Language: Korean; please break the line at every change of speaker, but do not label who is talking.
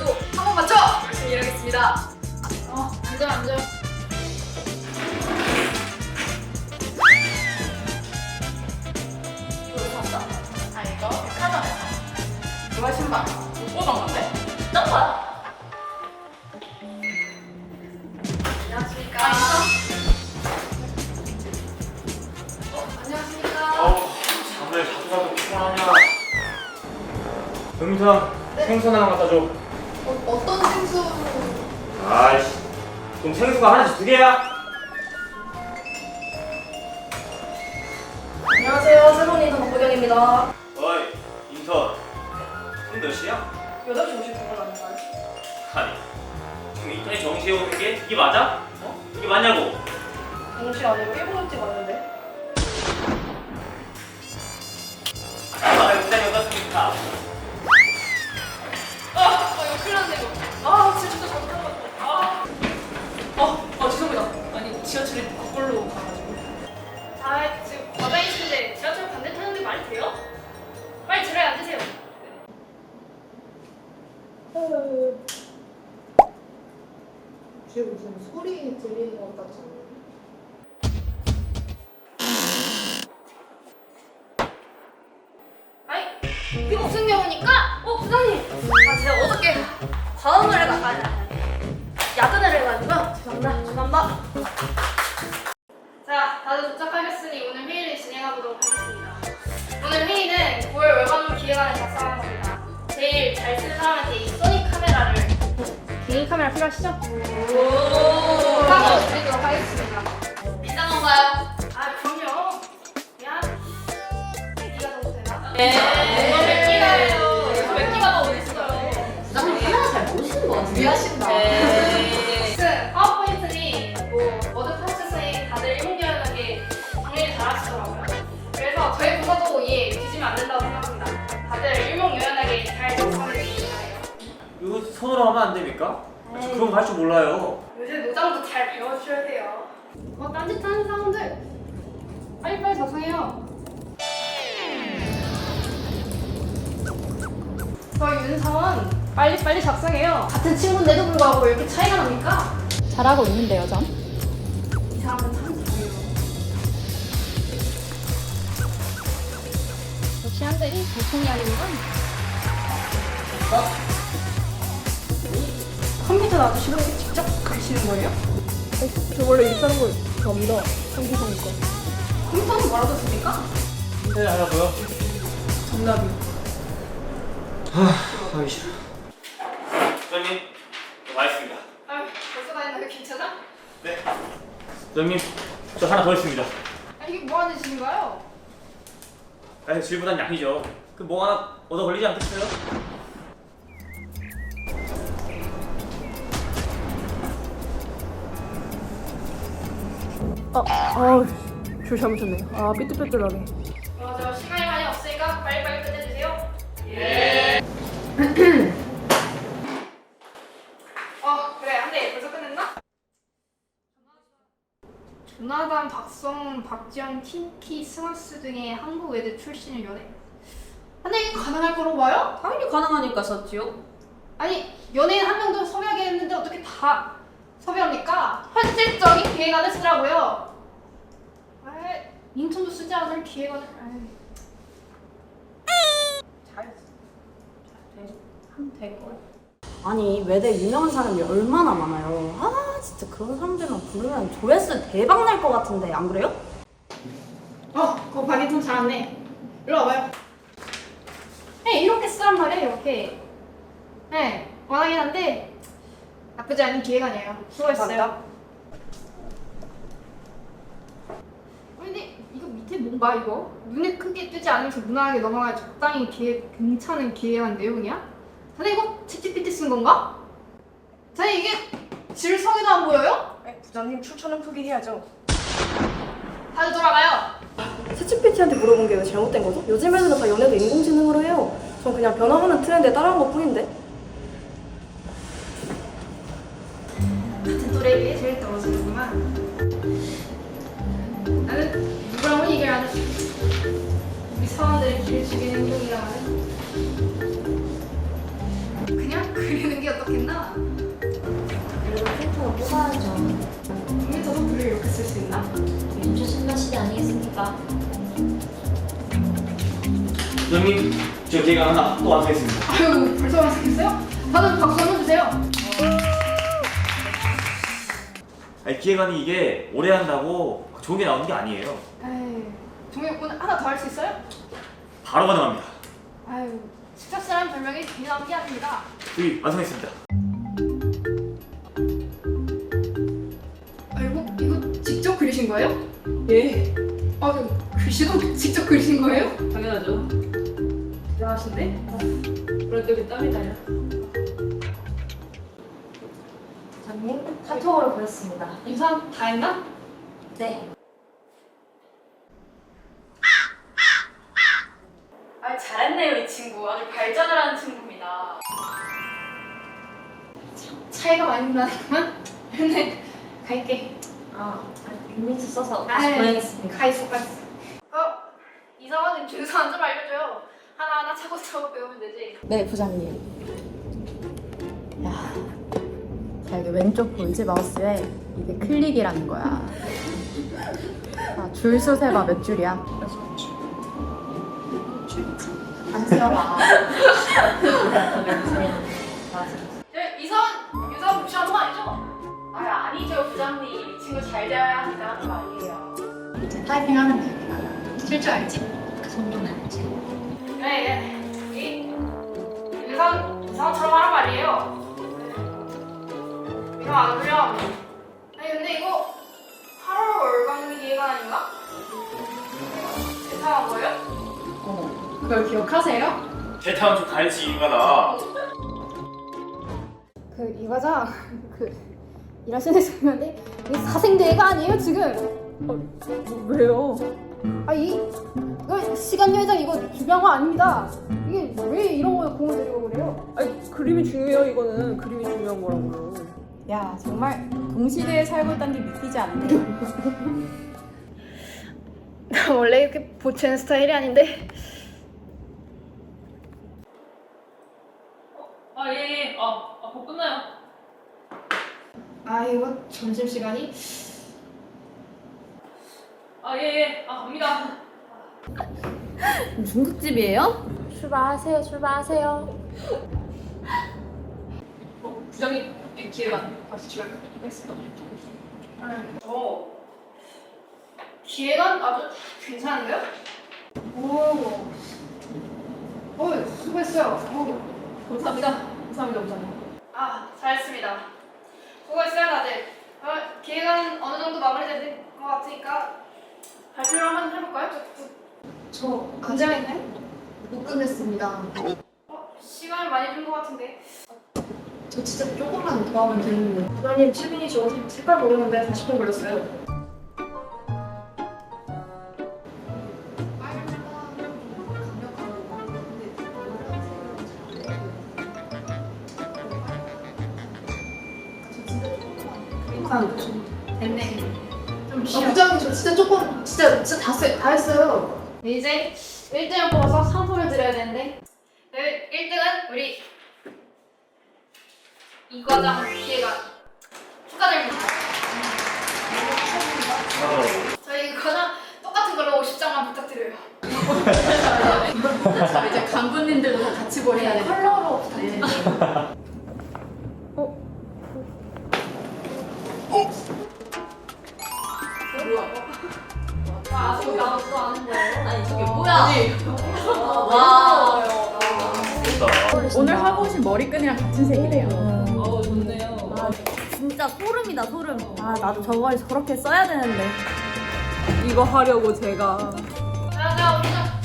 그래도 한 번 맞춰! 열심히 일하겠습니다. 앉아. 이거 샀어? 이거 백화점에서. 이거 신발. 못 보던 건데? 딴 거야? 안녕하십니까. 안녕하십니까.
잠을 자주 자도 피곤하냐? 음성 생선 하나 갖다 줘.
어떤 생수?
아이씨, 그럼 생수가 하나씩 2개야?
안녕하세요. 새로운 인턴 박보경입니다.
어이, 인턴. 지금 몇 시야?
8시 59분 아닌가요?
아니, 지금 인턴이 정시에 오는 게 이게 맞아? 이게 맞냐고?
정시 아니고 1분치 맞는데?
아, 일단 여기까지니까.
이거 큰일 났네 이거. 진짜 잘못 들어갔다. 죄송합니다. 아니 지하철이 거꾸로 가가지고. 지금 과장이 있는데 지하철 반대 타는 게 말이 돼요? 빨리 자리에 앉으세요.
뒤에 무슨 소리 들리는 것 같지 않나요?
이게 무슨 경우니까? 부장님! 제가 어저께 과음을 야근을 해가지고요. 죄송합니다. 자, 다들 도착하셨으니 오늘 회의를 진행해보도록 하겠습니다. 오늘 회의는 9월 월간물 기획안을 작성한 겁니다. 제일 잘 쓰는 사람한테 이 소니 카메라를 개인 카메라 필요하시죠? 한번 드리도록 하겠습니다. 비싼 건가요? 그럼요. 미안. 네가 더 되나? 몇 기가예요? 몇 기가가 어딨어요?
부장님 카메라 잘 모르시는 것 같은데?
이해하신다. 파워포인트니 워드 프로세서에 다들 일목요연하게 정리를 잘 하시더라고요. 그래서 저희 부서도 뒤지면 안 된다고 생각합니다. 다들 일목요연하게 잘 작성해 주시기 바래요.
이거 손으로 하면 안 됩니까? 저 그런 거 할 줄 몰라요.
요새 노장도 잘 배워주셔야 돼요. 딴짓하는 사람들 빨리빨리 작성해요. 저희 윤사원 빨리빨리 작성해요. 같은 친구인데도 불구하고 왜 이렇게 차이가 납니까?
잘하고 있는데요, 전?
이 사람은 참 잘해요.
역시 한대리 보통이 아니구나.
컴퓨터 놔두시고 이렇게 직접 그리시는 거예요?
저 원래 이렇게 하는 걸 좋아합니다. 상기하니까.
컴퓨터는 뭐라고 씁니까?
네, 하라고요?
정답이.
하기 싫어. 부장님, 저 맛있습니다.
벌써 다 했나요? 괜찮아?
네. 부장님, 저 하나 더 있습니다.
이게 뭐 하는 짓인가요?
질보단 양이죠. 그 뭐 하나 얻어 걸리지 않겠어요?
줄 잘못했네. 삐뚤빼뚤하네.
저 시간이 많이 없으니까 빨리빨리 끝내주세요. 그래. 한대 벌써 끝냈나? 조나단, 박성훈, 박지영, 틴키, 스마스 등의 한국 외대 출신을 연애. 근데 이게 가능할 거라고 봐요?
당연히 가능하니까 썼지요.
아니 연예인 한 명도 섭외하겠는데 어떻게 다 섭외합니까? 현실적인 기획안을 쓰라고요. 인턴도 쓰지 않을 기획안을.
하면 될걸. 아니 외대 유명한 사람이 얼마나 많아요. 진짜 그런 사람들만 부르면 조회수 대박 날 것 같은데 안 그래요?
그거 박인턴 잘았네. 일로 와봐요. 이렇게 쓰란 말이에요. 이렇게. 원하긴 한데 나쁘지 않은 기획안이에요. 수고했어요. 근데 이거 밑에 뭔가 이거? 눈에 크게 뜨지 않으면서 무난하게 넘어가야 적당히 괜찮은 기획안 내용이야? 자네 이거 챗GPT 쓴 건가? 자네 이게 질성이도 안 보여요?
부장님 출처는 포기해야죠.
다들 돌아가요.
챗GPT한테 물어본 게 왜 잘못된 거죠? 요즘 애들은 다 연애도 인공지능으로 해요. 전 그냥 변화하는 트렌드에 따라한 것 뿐인데.
같은 또래에 비해 제일 떨어지는구만. 나는 누구랑 얘기를 안 했어. 우리 사원들의 길을 죽이는 행동이라 하는. 그냥 그리는 게 어떻겠나?
그래도 프린터로 뽑아야죠.
컴퓨터도 글을 이렇게 쓸 수 있나?
요즘 신나 시대 아니겠습니까?
부장님, 저 기획안 하나 또 완성했습니다.
아유, 벌써 완성했어요? 다들 박수 한번 주세요.
아니, 기획안이 이게 오래 한다고 좋은 게 나오는 게 아니에요.
에이, 종이 오늘 하나 더 할 수 있어요?
바로 가능합니다.
아유, 식탁사람 별명이 괜히 나온 게 아닙니다.
여기 완성했습니다.
아이고, 이거 직접 그리신 거예요?
예,
아, 글씨도 직접 그리신 거예요?
당연하죠.
대단하신데?
그럴 때 땀이 나요.
부장님, 카톡으로 보냈습니다.
인사 다 했나?
네.
아 잘했네요 이 친구. 아주 발전을 하는 친구입니다.
차이가 많이 나구만. 근데 갈게.
빅민트 써서 다시
아이,
보내겠습니다.
가 있어. 이상한 주소안 좀 알려줘요. 하나하나 차곡차곡 배우면 되지.
네 부장님. 야, 자 이게 왼쪽 보이지 마우스에 이게 클릭이라는 거야. 줄수 세봐 몇 줄이야?
안 들어봐.
유사원 무시하는 거 아니죠?
아 아니죠 부장님. 이 친구 잘 되어야 한다는 거 아니에요.
이제 타이핑하면 되니까.
쓸 줄 알지?
그 정도는 알지.
그래. 유사원처럼 하란 말이에요. 이거 안 어울려. 아니 근데 이거 8월 월광 기획안 아닌가? 대상한 거예요? 그걸 기억하세요?
대타운 좀 가르치 이유가 나.
이 과장 일하시는 중인데 이게 사생대가 아니에요 지금.
왜요?
이거 시간 여행 이거 중요한 거 아닙니다. 이게 왜 이런 거에 공을 들이고 그래요?
아니, 그림이 중요해요, 이거는. 그림이 중요한 거라고요.
야 정말 동시대에 살고 있다는 게 믿기지 않네.
나 원래 이렇게 보채는 스타일이 아닌데.
예. 곧 끝나요.
이거 점심시간이?
예. 갑니다.
중국집이에요?
출발하세요.
부장님, 기획안 다시 출발하겠습니다.
기획안 아주 괜찮은데요? 수고했어요.
감사합니다, 부장님.
잘했습니다. 수고했어요 다들. 기획안 어느 정도 마무리된 것 같으니까 발표를 한번 해볼까요?
저
긴장했나요?
못 끝냈습니다.
시간을 많이 준 것 같은데.
저 진짜 조금만 더 하면 되는데.
부장님, 7분이죠. 색깔 모르는데 40분 걸렸어요.
됐네. 좀 쉬어.
부장님, 저 진짜 조금, 진짜 다 했어요.
이제 1등을 뽑아서 상품을 드려야 되는데 1등은 우리 이과장 기획안 축하드립니다. 저희 이과장 똑같은 걸로 50장만 부탁드려요.
자 이제 간부님들도 다 같이 보내야 돼.
컬러로 부탁드립니다.
아직 나도 아는 거예요?
아니 저게 뭐야? 와.
좋다.
오늘 하고 오신 머리끈이랑 같은 색이래요.
좋네요.
진짜 소름이다 소름. 나도 저걸 저렇게 써야 되는데.
이거 하려고 제가.
자, 우리는